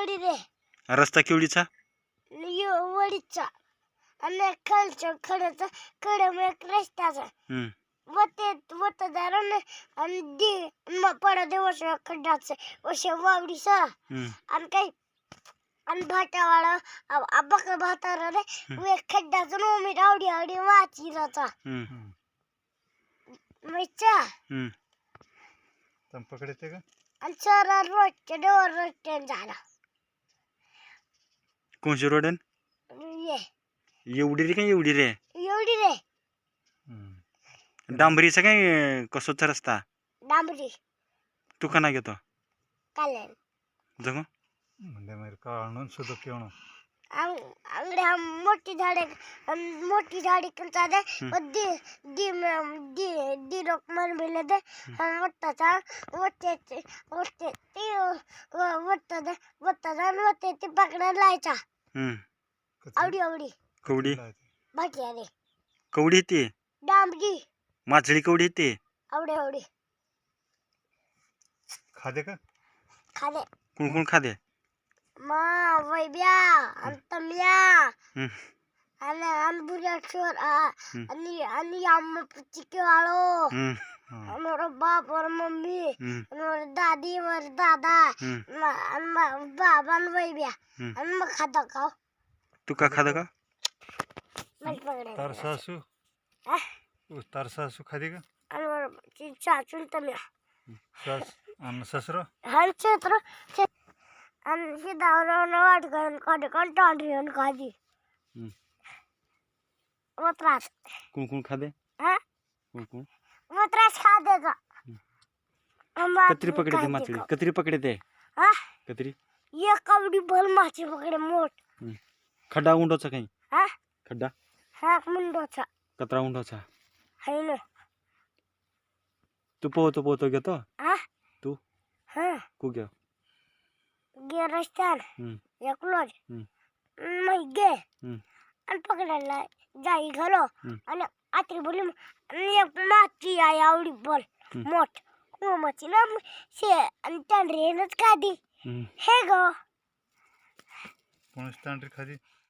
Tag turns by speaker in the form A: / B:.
A: वडी रे
B: रस्ता केवढीचा
A: वडीचा आणि खालच्या खड्याचा खड्याम एक रस्त्याचा वतदार आणि मग पडा दिवस खड्डाचं वश वावडीचा आणि काही आणि भाटावाळा बक भातारा रे वे खड्डाचं नोमी आवडी आवडी वाचिराचा मैचा
C: पकडते का
A: आणि सर रोजच्या डोर रोजच्या झाला
B: कोणची रोड
A: ये
B: एवढी रे काय एवढी रे
A: एवढी रे
B: डांबरीचा काय कसोचा रस्ता
A: डांबरी
B: तू का नाही घेतो
A: कालन
B: जगो
C: म्हणजे मेरे काळून सुद्धा केवण
A: अंगड्या मोठी झाडी कंचा दे दी दी दी दी रोक मन बिले दे वट्टाचा वट्टे वट्टे ते वट्टा दे वट्टा जान वट्टे ते पकडायला लायचा आवडी आवडी
B: कवडी
A: भाटिया रे
B: कवडी येते
A: डांबरी
B: माचळी कवडी येते
A: आवडी आवडी
C: खादे का
A: खाले
B: कोण कोण खादे
A: मा वैब्या अंतम्या आणि अनबुऱ्या छोर आणि आम्ही चिकेवाळो मेरा बाप और मम्मी और दादी और दादा बाबा और वैब्या आणि मग खाता खाओ
B: तू का खादा का
C: तार सासू तार सासू खादे का
A: आणि चाचून तम्या
C: सास आणि ससरा
A: हर क्षेत्र आणि शिदावरून वाट करून काढे कंटाळून खाजी त्रास
B: कोण कोण खादे
A: हा
B: कोण कोण
A: त्रास खा देगा
B: कतरी पकडते माचळी कतरी पकडते
A: हा
B: कतरी
A: ये कवडी भल माची पकडे मोठ
B: खड्डा उंडोचा काही
A: हा
B: खड्डा
A: हा मुंडोचा
B: कतरा उंडोचा
A: है ना
B: तू पोहतो घेतो
A: हा
B: तू
A: हा
B: कू घ्या
A: गे रस्त्यान एकलोज मग गे आणि पकडायला जाई घालो आणि आत्री बोली एक माती आहे आवडी बोल मोठ माची ना शे आणि तांडरेनच खादी हे गो
C: कोणच तांडरी खादी